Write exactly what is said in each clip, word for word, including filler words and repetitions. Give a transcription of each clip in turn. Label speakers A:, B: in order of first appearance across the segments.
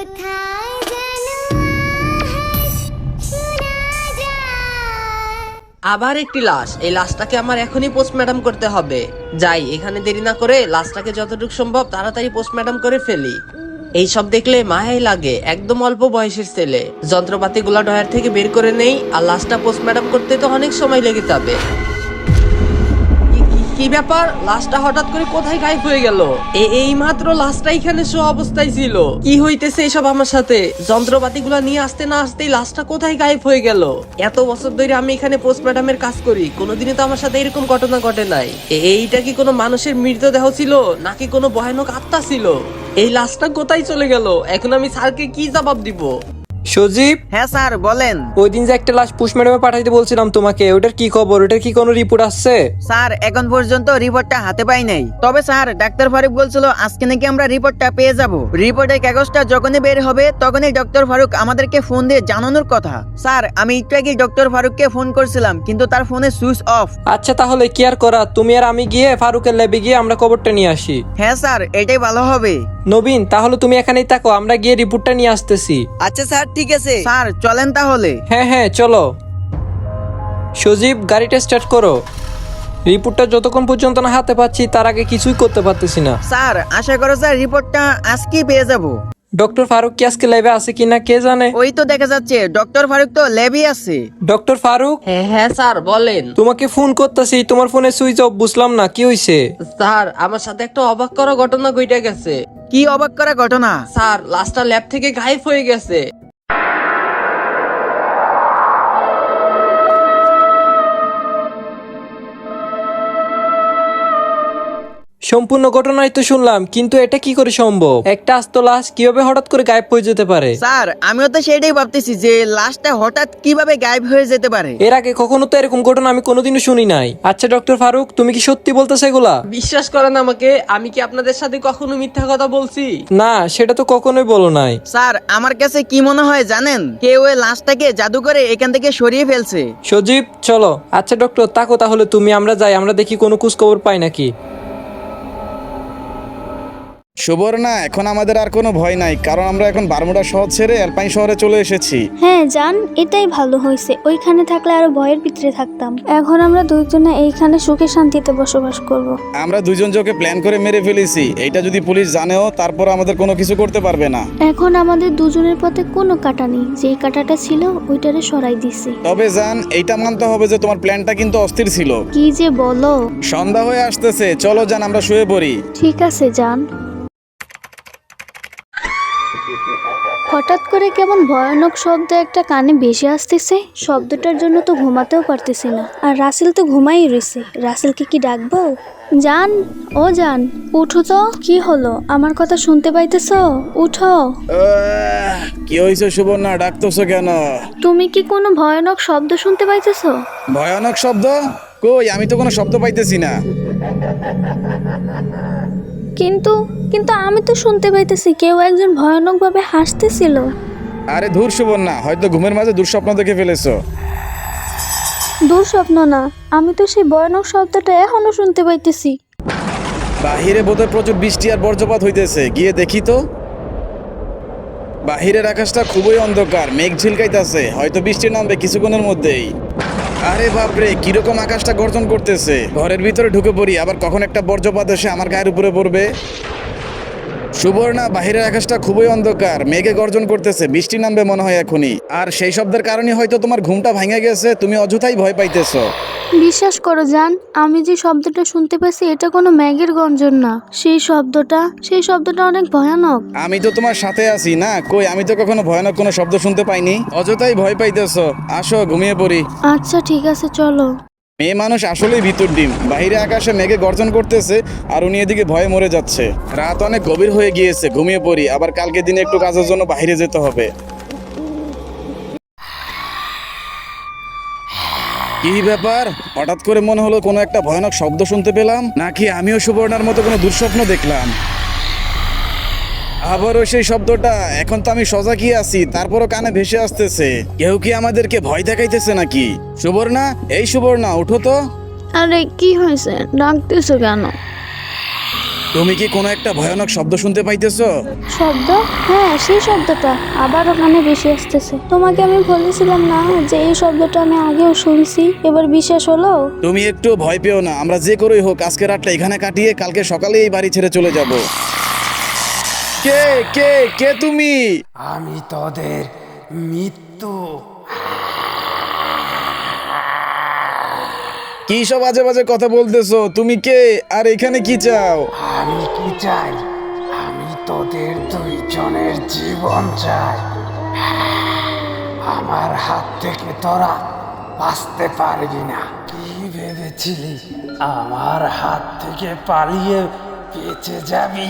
A: আবার একটি লাশ। এই লাশটাকে আমার এখনই পোস্টমর্টম করতে হবে। যাই, এখানে দেরি না করে লাশটাকে যতটুকু সম্ভব তাড়াতাড়ি পোস্টমর্টম করে ফেলি। এই সব দেখলে মায়াই লাগে, একদম অল্প বয়সের ছেলে। যন্ত্রপাতি গুলা ডয়ার থেকে বের করে নেই, আর লাশটা পোস্টমর্টম করতে তো অনেক সময় লেগে যাবে। কি ব্যাপার, লাশটা হঠাৎ করে কোথায় গায়েব হয়ে গেল? এই মাত্র লাশটা এখানে শো অবস্থায় ছিল। কি হইতেছে এসব আমার সাথে? যন্ত্রপাতি গুলা নিয়ে আসতে না আসতেই লাশটা কোথায় গায়েব হয়ে গেল? এত বছর ধরে আমি এখানে পোস্টমর্টমের কাজ করি, কোনোদিনই তো আমার সাথে এরকম ঘটনা ঘটে নাই। এইটা কি কোনো মানুষের মৃতদেহ ছিল নাকি কোনো ভয়ানক আত্মা ছিল? এই লাশটা কোথায় চলে গেল? এখন আমি স্যারকে কি জবাব দিব?
B: সজীব,
C: হ্যাঁ স্যার বলেন।
B: ওই দিন যে একটা লাশ পোস্টমর্টমে পাঠাইতে বলছিলাম তোমাকে, ওটার কি খবর? ওটার কি কোনো রিপোর্ট আসছে?
C: স্যার এখন পর্যন্ত রিপোর্টটা হাতে পাই নাই, তবে স্যার ডাক্তার ফারুক বলছিল আজকে নাকি আমরা রিপোর্টটা পেয়ে যাব। রিপোর্টের কাগজটা যখনই বের হবে তখনই ডক্টর ফারুক আমাদেরকে ফোন দিয়ে জানানোর কথা। স্যার আমি একটু আগে ডক্টর ফারুককে ফোন করছিলাম, কিন্তু তার ফোনে সুইচ অফ।
B: আচ্ছা তাহলে কি আর করা, তুমি আর আমি গিয়ে ফারুকের ল্যাবে গিয়ে আমরা খবরটা নিয়ে আসি।
C: হ্যাঁ স্যার এটাই ভালো হবে।
B: নবীন, তাহলে তুমি এখানেই থাকো, আমরা গিয়ে রিপোর্টটা নিয়ে আসতেছি।
D: আচ্ছা স্যার ঠিক আছে।
C: স্যার চলেন তাহলে।
B: হ্যাঁ হ্যাঁ চলো। সজীব, গাড়িটা স্টার্ট করো। রিপোর্টটা যতক্ষণ পর্যন্ত না হাতে পাচ্ছি তার আগে কিছুই করতে পারতেছি না।
C: স্যার আশা করো স্যার রিপোর্টটা আজকেই পেয়ে যাব।
B: ডক্টর ফারুক কি আজকে ল্যাবে আছে কিনা কে জানে।
C: ওই তো দেখা যাচ্ছে ডক্টর ফারুক তো ল্যাবই আছে।
B: ডক্টর ফারুক,
A: হ্যাঁ হ্যাঁ স্যার বলেন।
B: তোমাকে ফোন করতেছি, তোমার ফোনে সুইচ অফ, বুঝলাম না কি হইছে।
A: স্যার আমার সাথে একটা অবাক করা ঘটনা ঘটে গেছে।
C: কি অবাক করা ঘটনা?
A: স্যার লাশটা ল্যাব থেকে গায়েব হয়ে গেছে।
B: সম্পূর্ণ ঘটনাই তো শুনলাম, কিন্তু এটা কি করে সম্ভব? একটা আস্ত লাশ কিভাবে হঠাৎ করে গায়েব হয়ে যেতে পারে?
C: স্যার আমিও তো সেটাই ভাবতেছি যে লাশটা হঠাৎ কিভাবে গায়েব হয়ে যেতে পারে।
B: এর আগে কখনো তো এরকম ঘটনা আমি কোনোদিনও শুনি নাই। আচ্ছা ডক্টর ফারুক, তুমি কি সত্যি বলতেছো এগুলা?
A: বিশ্বাস করেন আমাকে, আমি কি আপনাদের সাথে কখনো মিথ্যা কথা বলছি?
B: না, সেটা তো কখনোই বলো নাই।
C: স্যার আমার কাছে কি মনে হয় জানেন, কেউ ওই লাশটাকে জাদু করে এখান থেকে সরিয়ে ফেলছে।
B: সজীব চলো। আচ্ছা ডক্টর তাকো তাহলে তুমি, আমরা যাই, আমরা দেখি কোনো খোঁজ খবর পাই নাকি।
E: সুবর্ণা, এখন আমাদের আর কোনো ভয় নাই, কারণ আমরা এখন বারমুডা শহর ছেড়ে অ্যালপাইন শহরে চলে এসেছি।
F: হ্যাঁ জান, এটাই ভালো হয়েছে। ওইখানে থাকলে আরো ভয়ের ভিতরে থাকতাম। এখন আমরা দুইজনে এইখানে সুখে শান্তিতে বসবাস করব।
E: আমরা দুজন জোকে প্ল্যান করে মেরে ফেলেছি, এইটা যদি পুলিশ জানেও তারপর আমাদের কোনো কিছু করতে পারবে না।
F: এখন আমাদের দুজনের পথে কোনো কাটা নেই, যেই কাটাটা ছিল ওইটারে সরাই দিছি।
E: তবে জান, এইটা মানতে হবে যে তোমার প্ল্যানটা কিন্তু অস্থির ছিল।
F: কি যে বলো।
E: সন্ধ্যা হয়ে আসতেছে, চলো জান আমরা শুয়ে পড়ি।
F: ঠিক আছে জান। হঠাৎ করে কেমন ভয়ানক শব্দ একটা কানে বেশি আসতেছে। শব্দটার জন্য তো ঘুমাতেও পারতেছি না। আর রাসেল তো ঘুমাই রয়েছে। রাসেলকে কি ডাকবো? জান, ও জান, উঠো তো। কি হলো, আমার কথা শুনতে পাইতেছো? উঠো।
E: আহ, কি হয়েছে সুবর্ণা, ডাকতেছো কেন?
F: তুমি কি কোনো ভয়ানক শব্দ শুনতে পাইতেছো?
E: ভয়ানক শব্দ? কই, আমি তো কোনো শব্দ পাইতেছি না।
F: কিন্তু কিন্তু আমি তো শুনতে পাইতেছি কেউ একজন ভয়ানক ভাবে হাসতেছিল।
E: আরে ধুর সুবর্ণা, হয়তো ঘুমের মাঝে দুঃস্বপ্ন দেখে ফেলেছো।
F: দুঃস্বপ্ন না, আমি তো সেই ভয়ানক শব্দটা এখনো শুনতে পাইতেছি।
E: বাহিরে বোধহয় প্রচুর বৃষ্টি আর বজ্রপাত হইতেছে, গিয়ে দেখি তো। বাহিরের আকাশটা খুবই অন্ধকার, মেঘ ঝিলকাইতেছে, হয়তো বৃষ্টি নামবে কিছুক্ষণের মধ্যেই। আরে বাপরে, কিরকম আকাশটা গর্জন করতেছে। ঘরের ভিতরে ঢুকে পড়ি, আবার কখন একটা বজ্রপাত এসে আমার গায়ের উপরে পড়বে। সুবর্ণা, বাহিরের আকাশটা খুবই অন্ধকার, মেঘে গর্জন করতেছে, বৃষ্টি নামবে মনে হয় এখনই। আর সেই শব্দের কারণে হয়তো তোমার ঘুমটা ভেঙে গেছে, তুমি অযথাই ভয় পাইতেছো।
F: বিশ্বাস করো জান, আমি যে শব্দটা শুনতে পাচ্ছি এটা কোনো ম্যাগের গর্জন না। সেই শব্দটা সেই শব্দটা অনেক ভয়ানক।
E: আমি তো তোমার সাথে আছি না, কই আমি তো কখনো ভয়ানক কোনো শব্দ শুনতে পাইনি। অযথাই ভয় পাইতেছো, আসো ঘুমিয়ে পড়ি।
F: আচ্ছা ঠিক আছে চলো।
E: মেয়ে মানুষ আসলেই ভিতর ডিম। বাহিরে আকাশে মেঘে গর্জন করতেছে আর উনি এদিকে ভয়ে মরে যাচ্ছে। রাত অনেক গভীর হয়ে গিয়েছে, ঘুমিয়ে পড়ি, আবার কালকে দিনে একটু কাজের জন্য বাইরে যেতে হবে। কি ব্যাপার, হঠাৎ করে মনে হলো কোনো একটা ভয়ানক শব্দ শুনতে পেলাম, নাকি আমিও সুবর্ণার মতো কোনো দুঃস্বপ্ন দেখলাম? আবারও সেই শব্দটা। এখন তো আমি সজাগ কি আছি, তারপরও কানে ভেসে আসতেছে। কেউ কি আমাদেরকে ভয় দেখাইতেছে নাকি? সুবর্ণা, এই সুবর্ণা, উঠো তো।
F: আরে কি হয়েছে, ডাকতেছো কেন?
E: তুমি কি কোনো একটা ভয়ানক শব্দ শুনতে পাইতেছো?
F: শব্দ? হ্যাঁ, সেই শব্দটা আবার ওখানে বেশি আসতেছে। তোমাকে আমি বলেছিলাম না যে এই শব্দটা আমি আগেও শুনছি, এবার বিশ্বাস হলো?
E: তুমি একটু ভয় পেও না, আমরা যে করেই হোক আজকে রাতটা এখানে কাটিয়ে কালকে সকালে এই বাড়ি ছেড়ে চলে যাব। কে কে কে তুমি?
D: আমি তোদের মৃত্যু।
E: কি সব বাজে বাজে কথা বলতেছো? তুমি কে আর এখানে কি চাও?
D: আমি কি চাই? আমি তোদের দুইজনের জীবন চাই। আমার হাত থেকে তোরা বাঁচতে পারবি না। কি ভেবেছিলি আমার হাত থেকে পালিয়ে বেঁচে যাবি?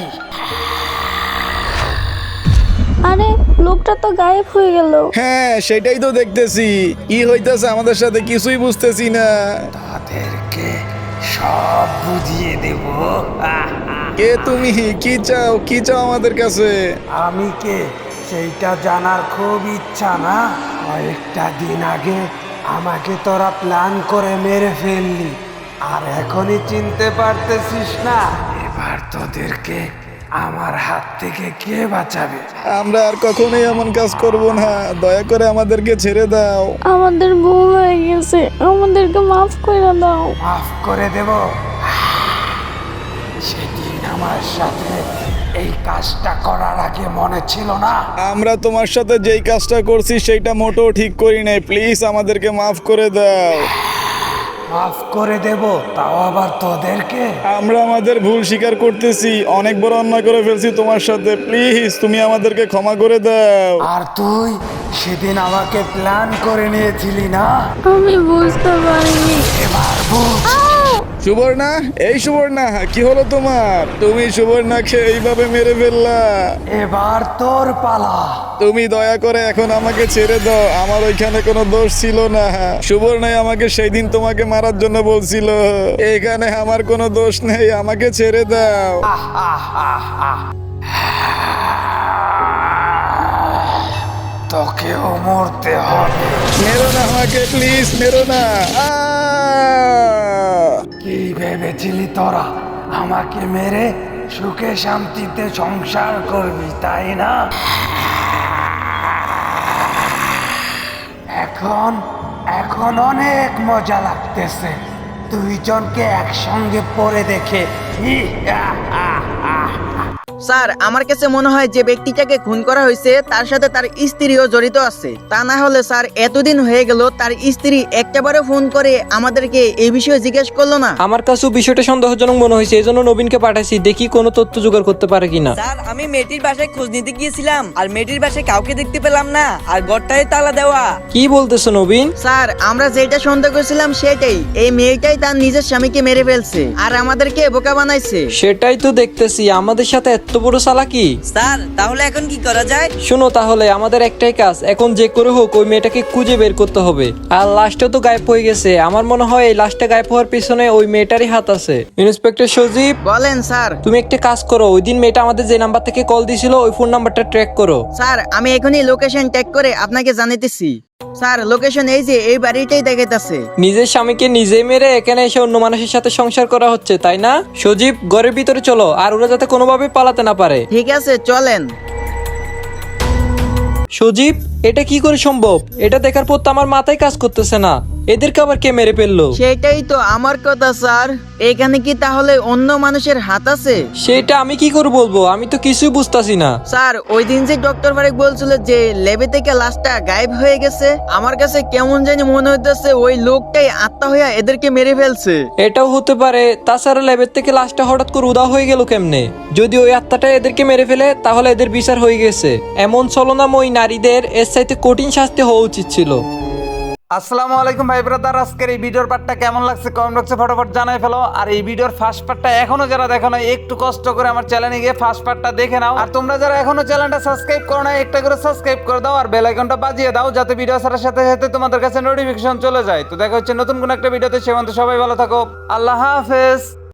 F: আরে লোকটা তো গায়েব হয়ে গেল।
E: হ্যাঁ সেটাই তো দেখতেছি, কি হইতেছে আমাদের সাথে কিছুই বুঝতেছি না।
D: তাদেরকে সব বুঝিয়ে দেব।
E: কে তুমি? কি চাও? কি চাও আমাদের কাছে?
D: আমি কে সেইটা জানার খুব ইচ্ছা না? কয়েকটা দিন আগে আমাকে তোরা প্ল্যান করে মেরে ফেললি, আর এখনই চিনতে পারতেছিস না? এবার তোদেরকে আমার হাত থেকে কে বাঁচাবে?
E: আমরা আর কখনোই এমন কাজ করব না, দয়া করে আমাদেরকে ছেড়ে দাও।
F: আমাদের ভুল হয়ে গেছে, আমাদেরকে মাফ করে দাও।
D: মাফ করে দেব? সেদিন আমার সাথে এই কাজটা করার আগে মনে ছিল না?
E: আমরা তোমার সাথে যেই কাজটা করছি সেইটা মোটেও ঠিক করি নাই, প্লিজ আমাদেরকে মাফ করে দাও।
D: মাফ করে দেব, তাও আবার তোদেরকে?
E: আমরা আমাদের ভুল স্বীকার করতেছি, অনেক বড় অন্যায় করে ফেলছি তোমার সাথে, প্লিজ তুমি আমাদেরকে ক্ষমা করে দাও।
D: আর তুই সেদিন আমাকে প্ল্যান করে নিয়েছিলি না?
F: আমি বুঝতে পারিনি।
D: এবার বুঝ।
E: সুবর্ণা, এই সুবর্ণা, কি হলো তোমার? তুমি সুবর্ণাকে এইভাবে মেরে ফেললা।
D: এবার তোর পালা।
E: তুমি দয়া করে এখন আমাকে ছেড়ে দাও, আমার ওইখানে কোনো দোষ ছিল না। সুবর্ণাই আমাকে সেই দিন তোমাকে মারার জন্য বলছিল, এখানে আমার কোনো দোষ নেই, আমাকে ছেড়ে দাও।
D: আহ, আহ, আহ, আহ। তোকেও মরতে হবে।
E: মেরো না আমাকে, প্লিজ মেরো না। আহ!
D: কি ভেবেছিলি তোরা আমাকে মেরে সুখে শান্তিতে সংসার করবি, তাই না? এখন এখন অনেক মজা লাগতেছে দুইজনকে একসঙ্গে পড়ে দেখে। ই, আহ, আহ, আহ।
C: স্যার, আমার কাছে মনে হয় যে ব্যক্তিটাকে খুন করা হয়েছে তার সাথে তার স্ত্রীও জড়িত আছে। তা না হলে স্যার এতদিন হয়ে গেল তার স্ত্রী একটাবারও ফোন করে আমাদেরকে এই বিষয়ে জিজ্ঞেস করলো না।
B: আমার কাছেও বিষয়টা সন্দেহজনক মনে হয়েছে, এই জন্য নবীনকে পাঠাইছি, দেখি কোনো তথ্য জোগাড় করতে পারে কিনা।
G: স্যার, আমি মেয়েটির বাসায় খোঁজ নিতে গিয়েছিলাম, আর মেয়েটির বাসায় কাউকে দেখতে পেলাম না, আর ঘরটায় তালা দেওয়া।
B: কি বলতেছো নবীন?
C: স্যার, আমরা যেটা সন্দেহ করেছিলাম সেটাই, এই মেয়েটাই তার নিজের স্বামীকে মেরে ফেলছে আর আমাদেরকে বোকা বানাইছে।
B: সেটাই তো দেখতেছি, আমাদের সাথে এত বড় চালাকি।
G: স্যার, তাহলে এখন কি করা যায়?
B: শোনো, তাহলে আমাদের একটাই কাজ, এখন যে করে হোক ওই মেয়েটাকে খুঁজে বের করতে হবে। আর লাশটা তো গায়েব হয়ে গেছে, আমার মনে হয় এই লাশটা গায়েব হওয়ার পিছনে ওই মেয়েটারই হাত আছে। ইন্সপেক্টর সজীব,
C: বলেন স্যার।
B: তুমি একটা কাজ করো, ওই দিন মেয়েটা আমাদের যে নাম্বার থেকে কল দিছিল ওই ফোন নাম্বারটা ট্র্যাক করো।
C: স্যার, আমি এখনই লোকেশন ট্যাগ করে আপনাকে জানাইতেছি। স্যার, লোকেশন এই যে এই বাড়িটাই দেখাইতেছে।
B: নিজের স্বামীকে নিজে মেরে এখানে এসে অন্য মানুষের সাথে সংসার করা হচ্ছে, তাই না? সজীব, ঘরের ভিতরে চলো, আর ওরা যাতে কোনোভাবে পালাতে না পারে।
C: ঠিক আছে, চলেন।
B: সজীব, এটা কি করে সম্ভব? এটা দেখার পর তো আমার মাথায় কাজ করতেছে না, এদেরকে আবার কে মেরে ফেললো?
C: সেটাই তো আমার কথা স্যার, এখানে কি তাহলে অন্য মানুষের হাত আছে?
B: সেটা আমি কি করে বলবো, আমি তো কিছুই বুঝতাছি না।
C: স্যার, ওই দিন যে ডক্টর ফারিক বলছিল যে ল্যাবে থেকে লাশটা গায়েব হয়ে গেছে, আমার কাছে কেমন জানি মনে হইতেছে ওই লোকটাই আত্মা হইয়া এদেরকে মেরে ফেলছে।
B: এটাও হতে পারে, তাছাড়া ল্যাবের থেকে লাশটা হঠাৎ করে উদা হয়ে গেল কেমনে? যদি ওই আত্মাটা এদেরকে মেরে ফেলে তাহলে এদের বিচার হয়ে গেছে। এমন ছলনাময়ী নারীদের এর চাইতে কঠিন শাস্তি হওয়া উচিত ছিল।
H: আসসালামু আলাইকুম ভাই ব্রাদার, আজকের এই ভিডিওর পার্টটা কেমন লাগছে কমেন্ট বক্সে ফটাফট জানাই ফেলো। আর এই ভিডিওর ফার্স্ট পার্টটা এখনো যারা দেখো না, একটু কষ্ট করে আমার চ্যানেলে গিয়ে ফার্স্ট পার্টটা দেখে নাও। আর তোমরা যারা এখনো চ্যানেলটা সাবস্ক্রাইব করো না, একটা করে সাবস্ক্রাইব করে দাও আর বেল আইকনটা বাজিয়ে দাও, যাতে ভিডিও ছাড়ার সাথে সাথে তোমাদের কাছে নোটিফিকেশন চলে যায়। তো দেখা হচ্ছে নতুন কোন একটা ভিডিওতে, সে পর্যন্ত সবাই ভালো থাকো, আল্লাহ হাফেজ।